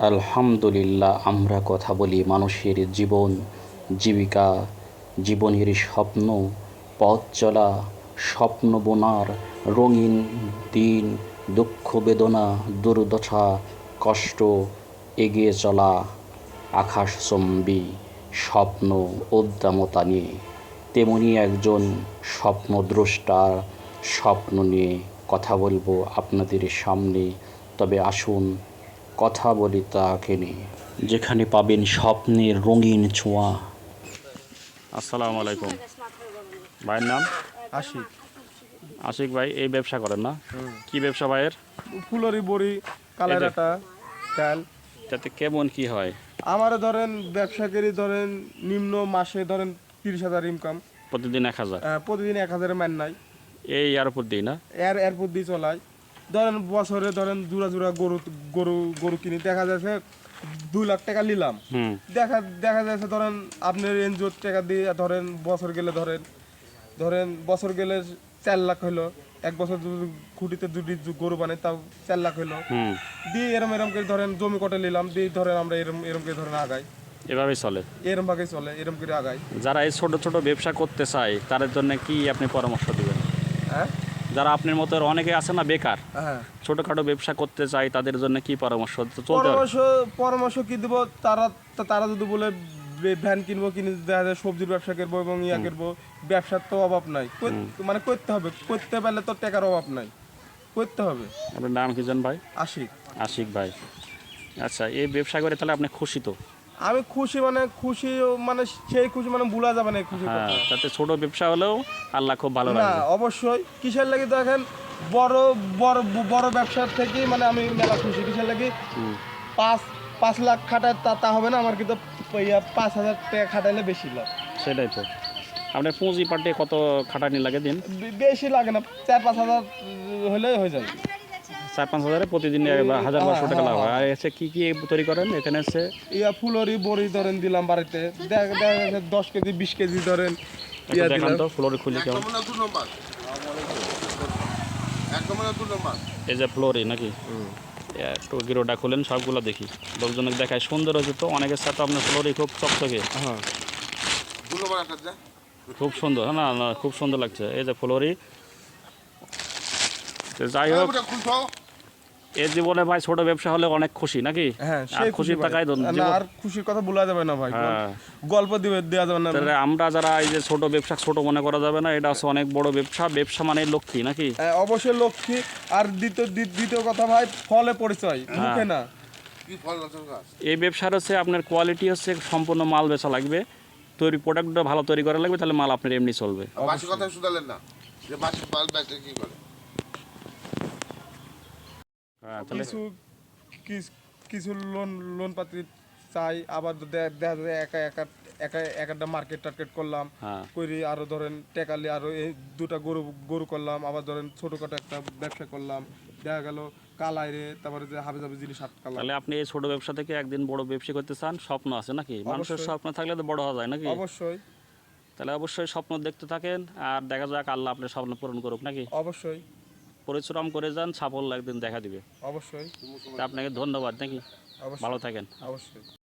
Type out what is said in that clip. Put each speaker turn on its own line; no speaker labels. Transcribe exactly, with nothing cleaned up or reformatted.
আলহামদুলিল্লাহ, আমরা কথা বলি মানুষের জীবন, জীবিকা, জীবনের স্বপ্ন, পথ চলা, স্বপ্ন বোনার রঙিন দিন, দুঃখ বেদনা, দুর্দশা, কষ্ট, এগিয়ে চলা, আকাশচুম্বী স্বপ্ন উদ্দামতা নিয়ে। তেমনি একজন স্বপ্নদ্রষ্টার স্বপ্ন নিয়ে কথা বলবো আপনাদের সামনে। তবে আসুন কথা বলি তাকে নিয়ে, যেখানে পাবেন স্বপ্নের রঙিন ছোঁয়া। আসসালামু আলাইকুম। ভাইয়ের নাম?
আশিক।
আশিক ভাই এই ব্যবসা করেন না? কি ব্যবসা ভাইয়ের?
ফুলরি বড়ি, কালারাটা, ডাল।
তাতে কেমন কি হয়?
আমার ধরেন ব্যবসাকারী ধরেন নিম্ন মাসে ধরেন তিরিশ হাজার ইনকাম।
প্রতিদিন এক হাজার?
প্রতিদিন এক হাজারের মান নাই।
এই আর উপর দিই না?
এর এরপর দিয়ে চলাই। ধরেন বছরে ধরেন জোড়া জোড়া গরু গরু গরু কিনি, দেখা যাচ্ছে দুই লাখ টাকা নিলাম। দেখা দেখা যাচ্ছে ধরেন আপনার এনজিওর টাকা দিয়ে ধরেন বছর গেলে ধরেন ধরেন বছর গেলে চার লাখ হলো। এক বছর খুঁটিতে দুটি গরু বানাই তাও চার লাখ হলো। দিয়ে এরম এরম করে ধরেন জমি কটে নিলাম, দিয়ে ধরেন আমরা এরম এরম করে ধরেন আগাই।
এভাবেই চলে?
এরম ভাবে চলে, এরম করে আগাই।
যারা এই ছোট ছোট ব্যবসা করতে চায় তাদের জন্য কি আপনি পরামর্শ দিবেন?
হ্যাঁ,
যারা আপনার মতো অনেকে আছে না বেকার,
হ্যাঁ,
ছোটখাটো ব্যবসা করতে চায় তাদের জন্য কি পরামর্শ?
পরামর্শ পরামর্শ কি দিব? তারা তারা যদি বলে ভ্যান কিনবো, কিনে দেখা যায় সবজির ব্যবসা করবো এবং ইয়া করবো, ব্যবসার তো অভাব নাই, মানে করতে হবে, করতে পারলে তো টাকার অভাব নাই, করতে হবে।
আপনার নাম কি জান ভাই?
আশিক।
আশিক ভাই, আচ্ছা এই ব্যবসা করে তাহলে আপনি খুশি তো?
আমি খুশি, মানে খুশি, মানে সেই খুশি মানে ভুলা যাবে না খুশি।
হ্যাঁ, তাতে ছোট ব্যবসা হলেও আল্লাহ খুব ভালো
না,
রাখবে।
অবশ্যই। কিসের লাগি দেখেন, বড় বড় বড় ব্যবসার থেকে মানে আমি মেলা খুশি। কিসের লাগি? পাঁচ পাঁচ লাখ খাটায় তা তা হবে না আমার, কিন্তু পাঁচ হাজার টাকা খাটাইলে বেশি লাভ।
সেটাই তো। আপনার পুঁজি পাটে কত খাটানি লাগে দিন?
বেশি লাগে না, চার পাঁচ হাজার হলে হয়ে যায়।
চার পাঁচ হাজারে প্রতিদিন হাজার বারোশো টাকা লাভ হয়। আর এসে কি কি তৈরি করেন এখানে? এসে
ইয়া ফুলরি বড়ি ধরেন দিলাম বাড়িতে, দেখা যাচ্ছে দশ কেজি বিশ কেজি ধরেন।
দেখান তো ফ্লোরি খুলি কেমন? এই যে ফ্লোরি নাকি? একটু গিরোটা খুলেন, সবগুলো দেখি, লোকজনকে দেখায়। সুন্দর হয়েছে তো, অনেকের সাথে আপনার ফ্লোরি খুব চকচকে। হ্যাঁ, খুব সুন্দর। না না, খুব সুন্দর লাগছে। এই যে ফ্লোরি। যাই হোক, এর জীবনে ভাই ছোট ব্যবসা হলে অনেক খুশি নাকি?
হ্যাঁ,
খুশির টাকায়
আর খুশির কথা বলা যাবে না ভাই, গল্প দিবে দেওয়া যাবে না।
আমরা যারা এই যে ছোট ব্যবসা ছোট মনে করা যাবে না, এটা হচ্ছে অনেক বড় ব্যবসা। ব্যবসা মানে লক্ষ্মী নাকি?
অবশ্যই লক্ষ্মী। আর দ্বিতীয় দ্বিতীয় কথা ভাই, ফলে পরিচয়, মুখে না।
এই ব্যবসার হচ্ছে আপনার কোয়ালিটি হচ্ছে সম্পূর্ণ মাল বেচা লাগবে, তৈরি প্রোডাক্টটা ভালো তৈরি করা লাগবে, তাহলে মাল আপনার এমনি চলবে।
কিছু কিছু লোন লোন পাতি চাই, আবার দেখা যায় একা একা একা একটা মার্কেট টার্গেট করলাম, করি আরো ধরেন টেকালি আরো এই দুটা গরু গরু করলাম, আবার ধরেন ছোটখাটো একটা ব্যবসা করলাম, দেখা গেল কালাইরে, তারপরে যে হাবি জাবি জিনিস আটকালাম।
তাহলে আপনি এই ছোট ব্যবসা থেকে একদিন বড় ব্যবসা করতে চান, স্বপ্ন আছে নাকি? মানুষের স্বপ্ন থাকলে তো বড় হওয়া যায় নাকি?
অবশ্যই।
তাহলে অবশ্যই স্বপ্ন দেখতে থাকেন, আর দেখা যাক আল্লাহ আপনার স্বপ্ন পূরণ করুক নাকি?
অবশ্যই।
পরিশ্রম করে যান, সাফল্য একদিন দেখা দিবে।
অবশ্যই।
আপনাকে ধন্যবাদ নাকি? ভালো থাকেন।
অবশ্যই।